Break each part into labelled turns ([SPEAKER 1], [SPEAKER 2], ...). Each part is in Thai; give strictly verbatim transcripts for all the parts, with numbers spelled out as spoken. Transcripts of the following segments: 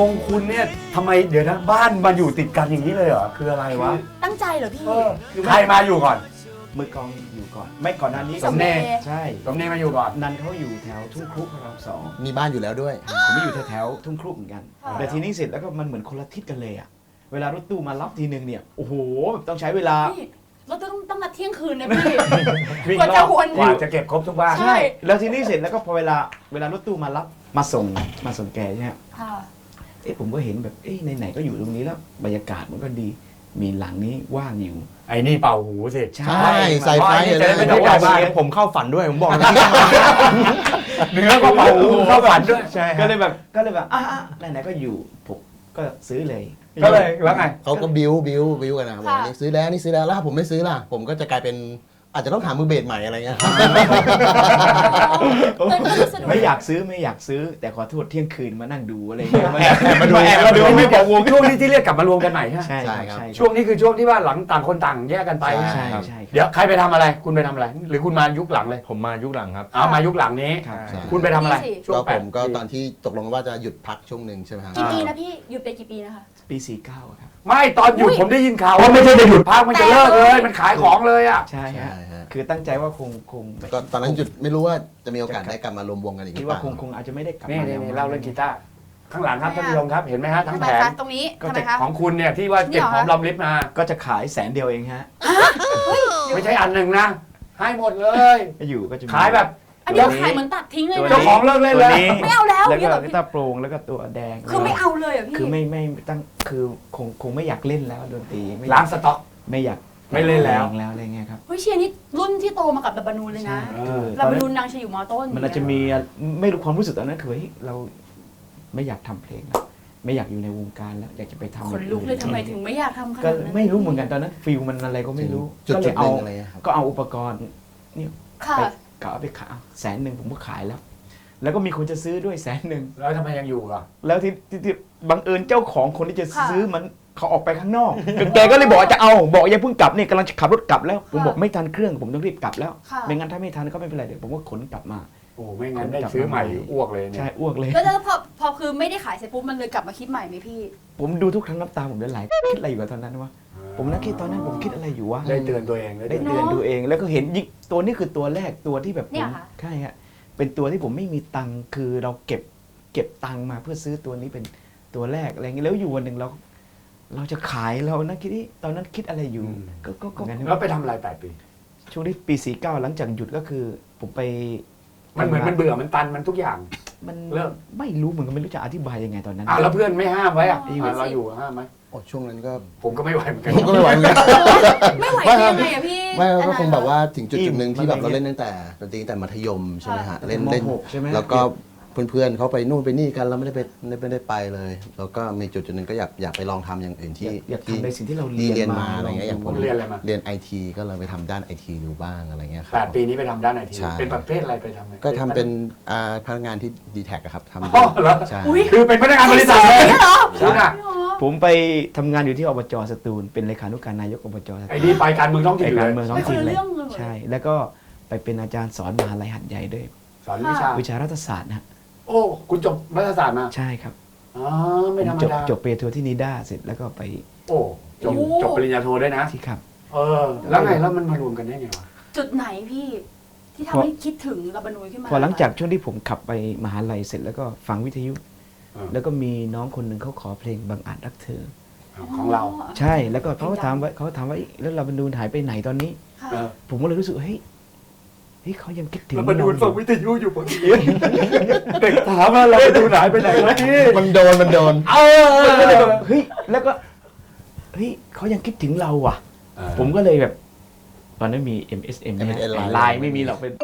[SPEAKER 1] งคุณเนี่ยทำไมเดี๋ยวนะบ้านมาอยู่ติดกันอย่างนี้เลยเหรอคืออะไรวะ
[SPEAKER 2] ตั้งใจเหรอพี่
[SPEAKER 1] ใครมาอยู่ก่อน
[SPEAKER 3] มือกลองอยู่ก่อน ไม่ก่อนหน้านี้
[SPEAKER 2] สมเด็จ
[SPEAKER 3] ใช่
[SPEAKER 1] ตรงนี้มาอยู่ก่อน
[SPEAKER 3] นันเขาอยู่แถวทุ่งครุพระรามสอง
[SPEAKER 4] มีบ้านอยู่แล้วด้วย
[SPEAKER 3] ผมไม่อยู่แถวๆทุ่งครุเหมือนกัน
[SPEAKER 2] ค่ะ
[SPEAKER 3] แต่ทีนี้เสร็จแล้วก็มันเหมือนคนละทิศกันเลยอ่ะเวลารถตู้มารับทีนึงเนี่ยโอ้โหแบบต้องใช้เวลา
[SPEAKER 2] พี่เราต้องต้องนัดเที่ยงคืนนะพี่
[SPEAKER 3] วิ่ง
[SPEAKER 2] กว่า
[SPEAKER 3] ร
[SPEAKER 2] จะ
[SPEAKER 3] อบ
[SPEAKER 2] วน
[SPEAKER 1] กว่าจะเก็บครบทุกบ้าน
[SPEAKER 2] ใช่
[SPEAKER 3] แล้วทีนี้เสร็จแล้วก็พอเวลาเวลารถตู้มารับมาส่งมาส่งแกใช่ไหม
[SPEAKER 2] ค่ะ
[SPEAKER 3] เอ๊ะผมก็เห็นแบบเอ๊ะไหนๆก็อยู่ตรงนี้แล้วบรรยากาศมันก็ดีมีหลังนี้ว่างอยู่
[SPEAKER 1] ไอ้นี่เป่าหูสิ
[SPEAKER 3] ใช่
[SPEAKER 4] ใช่ใส่ไฟ
[SPEAKER 1] จะ
[SPEAKER 4] เล
[SPEAKER 1] ได้
[SPEAKER 4] ย
[SPEAKER 1] ไม่
[SPEAKER 3] แต่
[SPEAKER 1] ต้อง
[SPEAKER 3] ว่า
[SPEAKER 1] บ้าน
[SPEAKER 3] เสียงผมเข้าฝันด้วยผมบอกนะ
[SPEAKER 1] เนื้อก็เป่าหูเข้าฝันด้วย
[SPEAKER 3] ใช่ก็เลยแบบก็เลยแบบอ่ะอ่ะไหนๆก็อยู่ผมก็ซื้อเลย
[SPEAKER 1] ก็เลยแล้วไง
[SPEAKER 4] เขาก็บิ้วบิ้วบิ้วกันนะบอกว่านี่ซื้อแล้วนี่ซื้อแล้วแล้วถ้าผมไม่ซื้อล่ะ ผมก็จะกลายเป็นอาจจะต้องหามือเบสใหม่อะไรเงี้ย
[SPEAKER 3] ไม่อยากซื้อไม่อยากซื้อ แต่ขอโทษเที่ยงคืนมานั่งดูอะไรเงี้ยมา
[SPEAKER 1] มาดูแอบมาดูไม่บอกวงช่วงนี้ที่เรียกกลับมารวมกันใหม่ใช่ไหม
[SPEAKER 3] ใช่
[SPEAKER 4] ใช่
[SPEAKER 3] ค
[SPEAKER 4] ครั
[SPEAKER 3] รับ บ
[SPEAKER 1] ช่วงนี้คือช่วงที่ว่าหลังต่างคนต่างแยกกันไป
[SPEAKER 4] ใช่
[SPEAKER 3] ใช่ใช่
[SPEAKER 1] เดี๋ยวใครไปทำอะไร คุณไปทำอะไร หรือคุณมายุคหลังเลย
[SPEAKER 5] ผมมายุคหลังครับ
[SPEAKER 1] เอามายุคหลังนี้
[SPEAKER 3] ครับ
[SPEAKER 4] ใช่
[SPEAKER 1] คุณไปทำอะไร
[SPEAKER 2] นี่สิ
[SPEAKER 1] ช่ว
[SPEAKER 4] ก็
[SPEAKER 1] งแป
[SPEAKER 4] ผ
[SPEAKER 1] ด
[SPEAKER 4] มก็ตอนที่ตกลงว่าจะหยุดพักช่วงหนึ่งใช่ไหมครับ
[SPEAKER 2] กี่ปีนะพี่หยุดไปกี่ปีนะคะ
[SPEAKER 3] ปีสี่เก้าครับ
[SPEAKER 1] ไม่ตอนหยุด
[SPEAKER 2] อุ๊ย
[SPEAKER 1] ผมได้ยินข่าวว่าไม่ใช่จะหยุดพักมันจะเลิกเลยมันขายของเลยอ่ะ
[SPEAKER 3] ใช่
[SPEAKER 4] ใช่
[SPEAKER 3] ฮะ
[SPEAKER 4] ฮะ
[SPEAKER 3] คือตั้งใจว่าคงคง
[SPEAKER 4] ก็ตอนนั้นหยุดไม่รู้ว่าจะมีโอกาสได้กลับมารวมวงกันอีกห
[SPEAKER 3] คิ
[SPEAKER 4] รื
[SPEAKER 3] ด
[SPEAKER 4] อเป
[SPEAKER 3] ว่า
[SPEAKER 4] ล่า
[SPEAKER 3] คงคงอาจจะไม่ได้กลับ
[SPEAKER 1] นี่
[SPEAKER 3] มา
[SPEAKER 1] นี่
[SPEAKER 3] แล้ว
[SPEAKER 1] นี่เล่าเรื่องกีตาร์ข้างหลังครับท่านผู้ชมครับเห็นไหมฮะทั้
[SPEAKER 2] ทำ
[SPEAKER 1] ง
[SPEAKER 2] ไม
[SPEAKER 1] แผง
[SPEAKER 2] คะตรงนี้ทำไมคะ
[SPEAKER 1] ของคุณเนี่ยที่ว่าเก็บหอมรอมริบมา
[SPEAKER 3] ก็จะขายแสนเดียวเองฮะ
[SPEAKER 1] ไม่ใช่อันหนึ่งนะ ให้หมดเลย
[SPEAKER 3] ก็อยู่ก็จะมี
[SPEAKER 1] ขายแบบ
[SPEAKER 2] อันนี้ขายเหมือนตัดทิ้งเลย
[SPEAKER 3] ตัว
[SPEAKER 2] นะ
[SPEAKER 1] เจ้าของเลิกเล่น
[SPEAKER 3] ตัว
[SPEAKER 1] แล้ว
[SPEAKER 3] นี้
[SPEAKER 2] ไม่เอาแล้ว
[SPEAKER 3] แล้ว
[SPEAKER 2] เนี่
[SPEAKER 3] ก็
[SPEAKER 2] ยเหรอ
[SPEAKER 3] กี
[SPEAKER 2] พี่
[SPEAKER 3] ตาร์โปร่งแล้วก็ตัวแดง
[SPEAKER 2] คือไม่เอาเลยเหรอพี่
[SPEAKER 3] คือไม่ไม่ตั้งคือคงคงไม่อยากเล่นแล้วดนตรีไม่
[SPEAKER 1] ล้างสต็อก
[SPEAKER 3] ไม่อยาก
[SPEAKER 1] ไม่เล่นแล้ว
[SPEAKER 3] แล้วอะไรเงี้ยครับ
[SPEAKER 2] เฮ้ยเชียร์นี่รุ่นที่โตมากับดับบานูนเลยนะ
[SPEAKER 1] เออ
[SPEAKER 2] ดับบานูนนางจะอยู่มอต้น
[SPEAKER 3] มันอาจจะมีไม่รู้ความรู้สึกตอนนั้นคือเฮ้ยเราไม่อยากทำเพลงแล้วไม่อยากอยู่ในวงการแล้วอยากจะไปทำ
[SPEAKER 2] ขนลุกเลยทำไมถึงไม่อยากทำข
[SPEAKER 3] ก็
[SPEAKER 2] นาดนั้น
[SPEAKER 3] ไม่รู้เหมือนกันตอนนั้นฟิลมันอะไรก็ไม่รู้
[SPEAKER 4] จุด
[SPEAKER 3] ก็เล
[SPEAKER 4] จุด
[SPEAKER 3] ย
[SPEAKER 4] ห
[SPEAKER 3] เอา
[SPEAKER 4] นึ่งอะไรเงี้ยครับ
[SPEAKER 3] ก็เอาอุปกรณ์เนี่ย
[SPEAKER 2] ค่ะ
[SPEAKER 3] ไปกะเอาไปขายแสนหนึ่งผมก็ขายแล้ว แล้วก็มีคนจะซื้อด้วยแสนหนึ่ง
[SPEAKER 1] แล้วทำไมยังอยู่อ่ะ
[SPEAKER 3] แล้วที่ที่ที่บังเอิญเจ้าของคนที่จะ
[SPEAKER 2] ค่ะ
[SPEAKER 3] ซื้อมันเขาออกไปข้างนอกแกก็เลยบอกว่าจะเอาบอกอย่าเพิ่งกลับเนี่ยกำลังจะขับรถกลับแล้ว ผม
[SPEAKER 2] ค่ะ
[SPEAKER 3] บอกไม่ทันเครื่องผมต้องรีบกลับแล้ว
[SPEAKER 2] ค่ะ
[SPEAKER 3] ไม่งั้นถ้าไม่ทันก็ไม่เป็นไรเดี๋ยวผมก็ขนกลับมา
[SPEAKER 1] โอ้ไม่งั้นได้ซื้อใหม่อ้วกเลยเนี่
[SPEAKER 3] ใช่
[SPEAKER 1] ย
[SPEAKER 3] อ้วกเลย
[SPEAKER 2] แล้วแล้วพอพอคือไม่ได้ขายเสร็จปุ๊บมันเลยกลับมาคิดใหม่ไหมพี่
[SPEAKER 3] ผมดูทุกครั้งน้ำตาผมจะไหลคิดอะไรอยู่กับตอนนั้นวะผมนั่งคิดตอนนั้นผมคิดอะไรอยู่วะ
[SPEAKER 1] ได้เตือนตัวเองได้
[SPEAKER 3] ได้
[SPEAKER 1] เตือน
[SPEAKER 3] เตือนดูเองแล้วก็เห็นยิงตัวนี้คือตัวแรกตัวที่แบบผ
[SPEAKER 2] เนี่ย
[SPEAKER 3] ม
[SPEAKER 2] ค่ะ
[SPEAKER 3] ใช่ฮะเป็นตัวที่ผมไม่มีตังค์คือเราเก็บเก็บตังค์มาเพื่อซื้อตัวนี้เป็นตัวแรกอะไรเงี้ยแล้วอยู่วันหนึ่งเรา เราจะขายเรานะคิดที่ตอนนั้นคิดอะไรอยู่ก็ก็ก็
[SPEAKER 1] แล้วไปทำอะไรแปดปี
[SPEAKER 3] ช่วงที่ปีสี่เก้าหลังจากหยุดก็คือผมไป
[SPEAKER 1] มันเหมือนมันเบื่อมันตันมันทุกอย่าง
[SPEAKER 3] มัน
[SPEAKER 1] เริ่ม
[SPEAKER 3] ไม่รู้เหมือนกันไม่รู้จะอธิบายยังไงตอนนั้น
[SPEAKER 1] อ่ะแล้วเพื่อนไม่ห้ามไว้อ่ะ
[SPEAKER 2] อ๋อ
[SPEAKER 1] อ่ะเราอยู่ห้ามไหม
[SPEAKER 4] โอ้ช่วงนั้นก็
[SPEAKER 1] ผมก็ไม่ไหวเหมือนกัน
[SPEAKER 4] ผมก็ไม่ไหวเหมือนกัน
[SPEAKER 2] ไม่ไหว
[SPEAKER 4] ไม่
[SPEAKER 2] ได้
[SPEAKER 4] ครับ
[SPEAKER 2] ยังไงอะพี่
[SPEAKER 4] ไม่ก็คงแบบว่าถึงจุด
[SPEAKER 3] อิ่
[SPEAKER 4] จุ
[SPEAKER 3] ม
[SPEAKER 4] ดหนึ่งที่แบบ
[SPEAKER 3] อะไร
[SPEAKER 4] เรา
[SPEAKER 3] เงี้ย
[SPEAKER 4] เล่นตั้งแต่ดนตรีตั้งแต่มัธยมใช่ไหมฮะ
[SPEAKER 3] ค่ะ
[SPEAKER 4] เล่น
[SPEAKER 3] ม
[SPEAKER 4] เล่น
[SPEAKER 3] หกใช่ไหม
[SPEAKER 4] แล้วก็เพื่อนๆเขาไปนู่นไปนี่กันเราไม่ได้ไปไม่ไม่ได้ไปเลย แล้วก็มีจุดจุดหนึ่งก็อยากอยากไปลองทำอย่างอื่นที่
[SPEAKER 3] อยาก
[SPEAKER 4] ที่
[SPEAKER 3] ทำในสิ่งที่เรา
[SPEAKER 4] ที่
[SPEAKER 3] เรี
[SPEAKER 4] เรี
[SPEAKER 3] ย
[SPEAKER 4] ย
[SPEAKER 3] น
[SPEAKER 4] น
[SPEAKER 3] มา
[SPEAKER 4] มาอะไรเงี้ยอย่างผม
[SPEAKER 1] เรียนอะไรมา
[SPEAKER 4] เรียนไอทีก็เลยไปทำด้านไอทีดูบ้างอะไรเงี้ยครั
[SPEAKER 1] แปดปีนี้ไปทำด้านไหนที
[SPEAKER 4] ใช่
[SPEAKER 1] เป็นประเภทอะไรไปทำไง
[SPEAKER 4] ก็ทำเป็นอ่าพนักงานที่ดีแท็กครับทำ
[SPEAKER 1] อ๋อเหรอ
[SPEAKER 4] ใช่
[SPEAKER 2] อุ๊ย
[SPEAKER 1] คือเป็นพนักงานบริษัทเลย
[SPEAKER 2] เหรอ
[SPEAKER 1] คุณอ่ะ
[SPEAKER 3] ผมไปทำงานอยู่ที่อบจสตูลเป็นเลขานุการนายกอบจสตูล
[SPEAKER 1] ไอ้นี่ไปการเมืองท้องถิ่
[SPEAKER 3] ไป
[SPEAKER 1] นอยู่
[SPEAKER 3] การ
[SPEAKER 1] เลย
[SPEAKER 3] เมืองท้องถิ่น
[SPEAKER 2] ไปคนละ
[SPEAKER 3] เลย
[SPEAKER 2] เรื่องเลย
[SPEAKER 3] ใช่ แล้วก็ไปเป็นอาจารย์สอนมหาลัยหัดใหญ่ด้วย
[SPEAKER 1] สอนวิชา
[SPEAKER 3] วิชารัฐศาสตร์นะฮะ
[SPEAKER 1] โอ้คุณจบรัฐศาสตร์มา
[SPEAKER 3] ใช่ครับ
[SPEAKER 1] อ๋อไม่ธรรม
[SPEAKER 3] จบ
[SPEAKER 1] ดา
[SPEAKER 3] จบปริญญาโทที่นิด้าเสร็จแล้วก็ไป
[SPEAKER 1] โอ้จบจบปริญญาโทด้วยนะ
[SPEAKER 3] ที่ครับ
[SPEAKER 1] เออ แล้วไงแล้วมันมารวมกันได้ไงวะ
[SPEAKER 2] จุดไหนพี่ ที่ทำให้คิดถึงดับบานูนขึ้นมา
[SPEAKER 3] พอหลังจากช่วงที่ผมขับไปมหาลัยเสร็จแล้วก็ฟังวิทยุ
[SPEAKER 1] เออ
[SPEAKER 3] แล้วก็มีน้องคนหนึ่งเขาขอเพลงบางอาจรักเธอ
[SPEAKER 1] ของเรา
[SPEAKER 3] ใช่แล้วก็เขาก็ถามว่าเขาถามว่าเอ๊ะแล้วเราบรรดูนหายไปไหนตอนนี้
[SPEAKER 2] ค่ะ
[SPEAKER 1] เออ
[SPEAKER 3] ผมก็เลยรู้สึกเฮ้ยเฮ้ยเขายังคิดถึง
[SPEAKER 1] แล้วมาดู
[SPEAKER 3] เรา
[SPEAKER 1] ฟังวิทยุอยู่พอดีเด็กถามว่าเราไปดูไหนไปไหนวะพี่
[SPEAKER 4] มันโดนมันโดน
[SPEAKER 1] เออ
[SPEAKER 3] ก็เลยแบบเฮ้ยแล้วก็เฮ้ยเขายังคิดถึงเราอ่ะ ผมก็เลยแบบ ตอนนั้นมี เอ็ม เอส เอ็ม
[SPEAKER 4] เอ็ม เอส เอ็ม
[SPEAKER 3] ไลน์ไม่มีหรอกเป็น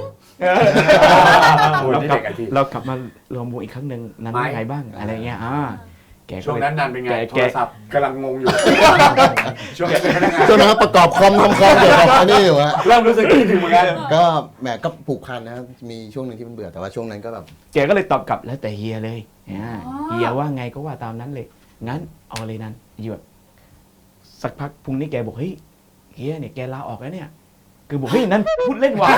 [SPEAKER 1] โอ้ย
[SPEAKER 3] เรา
[SPEAKER 1] นี่
[SPEAKER 3] กลั
[SPEAKER 1] เด็กอะที่
[SPEAKER 3] เรากลับมารวมวงอีกครั้งหนึ่งนั้น
[SPEAKER 1] ไม่
[SPEAKER 3] เป็นไงบ้างอะไรเงี้ยอ่าแกก็
[SPEAKER 1] ช่วง
[SPEAKER 3] เลย
[SPEAKER 1] นั้นนานเป็นไง
[SPEAKER 3] แก
[SPEAKER 1] โท
[SPEAKER 3] แก
[SPEAKER 1] รศัพท์กำลังงงอยู่ ช่วงนั้นเป็นพนักงาน
[SPEAKER 4] จนมาประกอบคอมทำคอมเกี่ยวกับอันนี้อยู่ฮะ
[SPEAKER 1] เริ่มรู้สึกคิดถึงเหมือนกัน
[SPEAKER 4] ก็แหมก็ผูกพันนะครับมีช่วงหนึ่งที่มันเบื่อแต่ว่าช่วงนั้นก็แบบ
[SPEAKER 3] แกก็เลยตอบกลับแล้วแต่เฮียเลยอ่าเฮียว่าไงก็ว่าตามนั้นเลย งั้นเอาเลยนั้นอยู่แบบสักพักพรุ่งนี้แกบอกเฮ้ยเฮียเนี่ยแกลาออกแล้วเนี่ยคือบอกเฮ้ยนั่นพูดเล่นว่ะ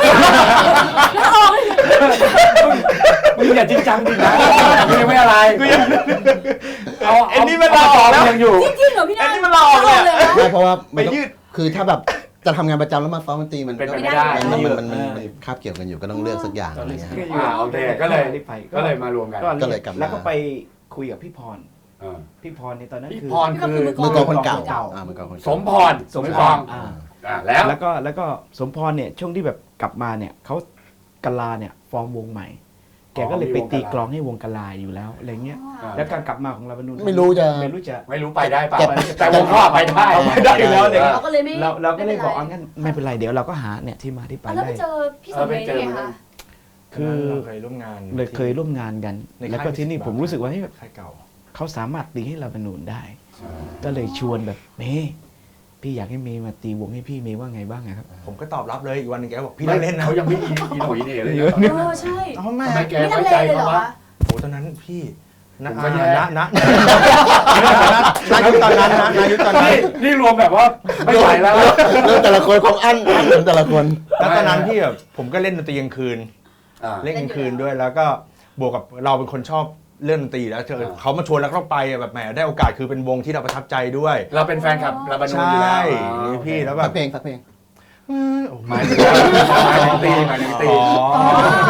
[SPEAKER 1] มึงอย่าจริงจังดินะมึงยังไม่อะไรเอา
[SPEAKER 3] ไอ้นี่มันลาออกแล้ว
[SPEAKER 1] ยังอยู่
[SPEAKER 2] จริงเหรอพี่นา
[SPEAKER 3] อันนี้มันลาออกเลยอะ
[SPEAKER 2] เลยนะ
[SPEAKER 4] ใช่เพราะว่ามันต้อง
[SPEAKER 3] ไปยืด
[SPEAKER 4] คือถ้าแบบจะทำงานประจำแล้วมาซ้อมดนตรีมัน
[SPEAKER 1] เป็นไป
[SPEAKER 4] ก็
[SPEAKER 1] ไม่ได้
[SPEAKER 4] มันมันมันมัน
[SPEAKER 3] เออ
[SPEAKER 4] มันคาบเกี่ยวกันอยู่ก็ต้องเลือกสักอย่างอะไรเงี้ย
[SPEAKER 1] อ่าโอเคก็เลย
[SPEAKER 3] ได้ไป
[SPEAKER 1] ก็เลยมารวมกัน
[SPEAKER 4] ก็เลยกลับมา
[SPEAKER 3] แล้วก็ไปคุยกับพี่พร
[SPEAKER 1] เออ
[SPEAKER 3] พี่พรในตอนนั้น
[SPEAKER 1] พี่
[SPEAKER 3] คือ
[SPEAKER 1] พรคือ
[SPEAKER 4] มือกลองคนเก่า
[SPEAKER 3] มือเก่า
[SPEAKER 4] อ่ามือกลองคน
[SPEAKER 1] ส
[SPEAKER 4] เก่าม
[SPEAKER 1] พร
[SPEAKER 3] สม
[SPEAKER 1] มื
[SPEAKER 3] พ
[SPEAKER 1] อกลอง
[SPEAKER 3] รอ่า
[SPEAKER 1] อ่าแล้ว
[SPEAKER 3] แล้วก็แล้วก็สมพรเนี่ยช่วงที่แบบกลับมาเนี่ยเขากะลาเนี่ยฟอร์มวงใหม่ แกก็เลยไปตีกลองให้วงกะลาอยู่แล้วอะไรเงี้ย
[SPEAKER 1] อ่า
[SPEAKER 3] แล้วการกลับมาของลาบานูน
[SPEAKER 4] ไม่รู้จะ
[SPEAKER 3] ไม่รู้จะ
[SPEAKER 1] ไม่รู้ไปได้เปล่า
[SPEAKER 4] แต่
[SPEAKER 1] แต่วงพ่อไปได้
[SPEAKER 3] เอาไปได้อยู่แล้วเลย
[SPEAKER 2] เราก็เลยไม่
[SPEAKER 3] เราเราก็เลยบอก
[SPEAKER 2] ไม่
[SPEAKER 3] อ่ะงั้นไม่เป็นไรเดี๋ยวเราก็หาเนี่ยที่มาที่ไป
[SPEAKER 2] เป็นไรแล้วไป
[SPEAKER 3] ได้
[SPEAKER 2] เจอพี่สมเด็จได้ไงคะ
[SPEAKER 3] คือ
[SPEAKER 5] เราเคยร่วมงาน
[SPEAKER 3] เลยเคยร่วมงานกัน
[SPEAKER 5] ในค่าย
[SPEAKER 3] แล้วก็ที่นี่ผมรู้สึกว่าเฮ้ย
[SPEAKER 5] ค่ายเก่า
[SPEAKER 3] เขาสามารถตีให้ลาบานูนได้ ก็เลยชวนแบบเมย์พี่อยากให้เมย์มาตีวงให้พี่เมย์ว่าไงบ้างอะครับ
[SPEAKER 5] ผมก็ตอบรับเลยอีกวันหนึงแกก็บอกพี่
[SPEAKER 1] ไม่
[SPEAKER 5] เล่นนะ
[SPEAKER 1] เขายังไม่อีอีหนุ่ยนี่เลย
[SPEAKER 3] เยอะ
[SPEAKER 2] เออใช่
[SPEAKER 5] เอาไม่
[SPEAKER 1] ทำไมแก
[SPEAKER 2] ไม่ลั
[SPEAKER 1] ไว้
[SPEAKER 2] งเล
[SPEAKER 1] ใจ
[SPEAKER 2] เลยเหร
[SPEAKER 1] เขา
[SPEAKER 2] อ
[SPEAKER 1] วะ
[SPEAKER 2] คะ
[SPEAKER 5] โอ้ตอนนั้นพี่นะ
[SPEAKER 1] ผมก็แย่
[SPEAKER 5] นะนะนะยุคตอนนั้นนะนะยุคตอนนั้น
[SPEAKER 1] นี่นี่รวมแบบว่าไม่ไหวแล้ว
[SPEAKER 4] เรื่องแต่ละคนของอันอันเหมือนแต่ละคน
[SPEAKER 5] แล้วตอนนั้นพี่แบบผมก็เล่นดนตรีกลางคืน
[SPEAKER 1] อ่า
[SPEAKER 5] เล่นกลางคืนด้วยแล้วก็บวกกับเราเป็นคนชอบเล่นดนตรีแล้วเจอ
[SPEAKER 1] อ่า
[SPEAKER 5] เขามาชวนแล้วก็ไปอะแบบแหมได้โอกาสคือเป็นวงที่เราประทับใจด้วย
[SPEAKER 1] เราเป็นแฟนคลับลาบานูนอยู่
[SPEAKER 5] ใช่
[SPEAKER 1] แล้ว
[SPEAKER 5] นี่พี่แล้วแบ
[SPEAKER 4] ฟั
[SPEAKER 5] บ
[SPEAKER 4] กเพลงฟักเพลง
[SPEAKER 1] หมายถึงว่าหมายถึงตีหมายถึงตี
[SPEAKER 5] อ๋อ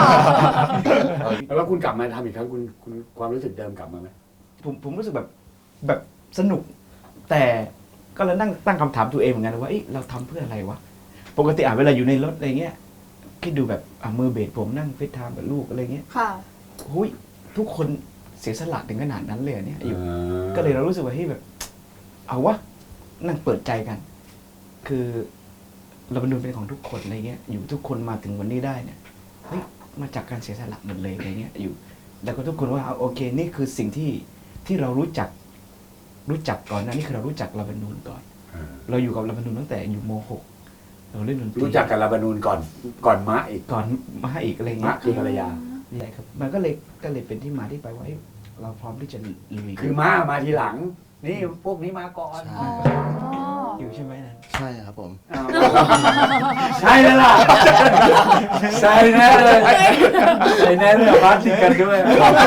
[SPEAKER 1] แล้วคุณกลับมาทำอีกครั้งคุณคุณความรู้สึกเดิมกลับมาไหม
[SPEAKER 3] ผมผมรู้สึกแบบแบบสนุก แต่ก็เลยนั่งตั้งคำถามตัวเองเหมือนกันว่าเอ้ยเราทำเพื่ออะไรวะปกติอ่ะเวลาอยู่ในรถอะไรเงี้ยคิดดูแบบอ่ะมือเบสผมนั่งเฟซไทม์กับลูกอะไรเงี้ย
[SPEAKER 2] ค่ะ
[SPEAKER 3] หุยทุกคนเสียสละถึงขนาดนั้นเลยเหรอเนี่ยอยู่ ก็เลยเรารู้สึกว่าเฮ้ยแบบ เอาวะนั่งเปิดใจกัน คือเราบรรลุเป็นของทุกคนอะไรเงี้ย อยู่ทุกคนมาถึงวันนี้ได้เนี่ยเฮ้ยมาจากการเสียสละหมดเลยอะไรเงี้ยอยู่ แล้วก็ทุกคนว่าเอาโอเค นี่คือสิ่งที่ที่เรารู้จัก รู้จักก่อนนะนี่คือเรารู้จักลาบานูนก่อน เราอยู่กับลาบานูนตั้งแต่อยู่ม .หก เราเล่นดนตรี
[SPEAKER 1] รู้จักกับลาบานูนก่อนก่อนมะอีก
[SPEAKER 3] ก่อนมาอีกอะไร
[SPEAKER 1] มะ
[SPEAKER 3] เงี้ย
[SPEAKER 1] คือภรรยา
[SPEAKER 3] ใช่ครับ มันก็เลยก็เลยเป็นที่มาที่ไปว่าเฮ้ยเราพร้อมที่จะลุย
[SPEAKER 1] คือมามาทีหลัง นี่พวกนี้มาก่อน
[SPEAKER 4] ใช่
[SPEAKER 2] อ๋อ
[SPEAKER 3] อยู่ใช่ไหมนั้น
[SPEAKER 4] ใช่ครับผม
[SPEAKER 1] อ้าวใช่แล้วล่ะใช่แน่เลยใช่แน่เลยพัดติดกันด้วย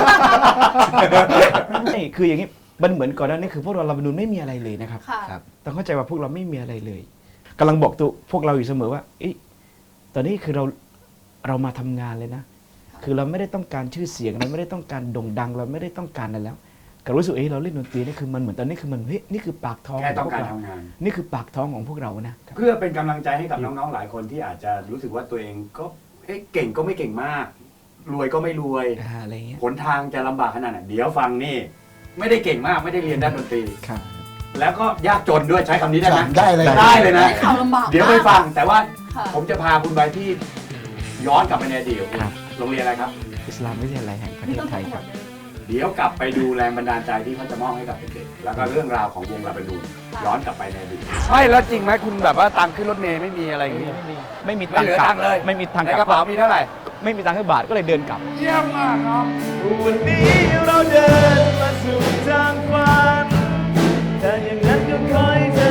[SPEAKER 3] ใช่คืออย่างนี้มันเหมือนก่อนหน้านี้คือพวกเราลาบานูนไม่มีอะไรเลยนะครับ
[SPEAKER 2] ค่ะ
[SPEAKER 4] ครับ
[SPEAKER 3] ต้องเข้าใจว่าพวกเราไม่มีอะไรเลยกำลังบอกตัวพวกเราอยู่เสมอว่าเอ๊ะตอนนี้คือเราเรามาทำงานเลยนะ คือเราไม่ได้ต้องการชื่อเสียงเราไม่ได้ต้องการโด่งดัง เราไม่ได้ต้องการอะไรแล้วก็รู้สึกเอ้เราเล่นดนตรีนี่คือมันเหมือนตอนนี้คือมันเฮ้ยนี่คือปากท้อง
[SPEAKER 1] แค่ต้องการ
[SPEAKER 3] ขพว
[SPEAKER 1] ทำงาน
[SPEAKER 3] นี่คือปากท้องของพวกเรานะ
[SPEAKER 1] เพื่อเป็นกำลังใจให้กับน้องๆหลายคนที่อาจจะรู้สึกว่าตัวเองก็เอ๊ะเก่งก็ไม่เก่งมาก รวยก็ไม่รวย
[SPEAKER 3] อ่าอะไรเงี้ย
[SPEAKER 1] หนทางจะลำบากขนาดไหนเดี๋ยวฟังนี่ ไม่ได้เก่งมากไม่ได้เรียนด้านดนตรี
[SPEAKER 3] ครับ
[SPEAKER 1] แล้วก็ยากจนด้วยใช้คำนี้ได้ไหม
[SPEAKER 4] ได้เลย
[SPEAKER 1] ได้เลยนะ
[SPEAKER 2] ได้ข่าวลำบาก
[SPEAKER 1] เดี๋ยวไปฟังแต่ว่า
[SPEAKER 2] ค่ะ
[SPEAKER 1] ผมจะพาคุณไปที่ย้อนกลับไปในอดีตของคุณ
[SPEAKER 3] ครับ
[SPEAKER 1] โรงเรียนอะไรครับ
[SPEAKER 3] อิสลามวิทยาลัยแห่งประเท
[SPEAKER 2] นี่
[SPEAKER 3] ศ
[SPEAKER 2] ต้อง
[SPEAKER 3] ไทย
[SPEAKER 2] ทั้งห
[SPEAKER 3] ค
[SPEAKER 2] ม
[SPEAKER 3] รับ
[SPEAKER 2] ดเลย
[SPEAKER 1] เดี๋ยวกลับไปดูแรงบันดาลใจที่เขาจะมอบให้กับเด็กๆแล้วก็เรื่องราวของวงลาบานูนย้อนกลับไปในอดีตใช่แล้วจริงไหมคุณแบบว่าตังค์ขึ้นรถเมย์ไม่มีอะไรอย่างนี้
[SPEAKER 3] ไม่มีไม่มี
[SPEAKER 1] ไม่เหลือตังค์เลย
[SPEAKER 3] ไม่มีตังค์
[SPEAKER 1] ใน
[SPEAKER 3] ก
[SPEAKER 1] ก
[SPEAKER 3] ลั
[SPEAKER 1] ระ
[SPEAKER 3] บ
[SPEAKER 1] เป๋ามีเท่าไหร่
[SPEAKER 3] ไม่มีตังค์ให้บาทก็เลยเดินกลับ
[SPEAKER 1] เยี่ยมมากครับ
[SPEAKER 3] วันนี้เราเดินมาสู่ทางฝันแต่อย่างนั้นก็คอยเธอ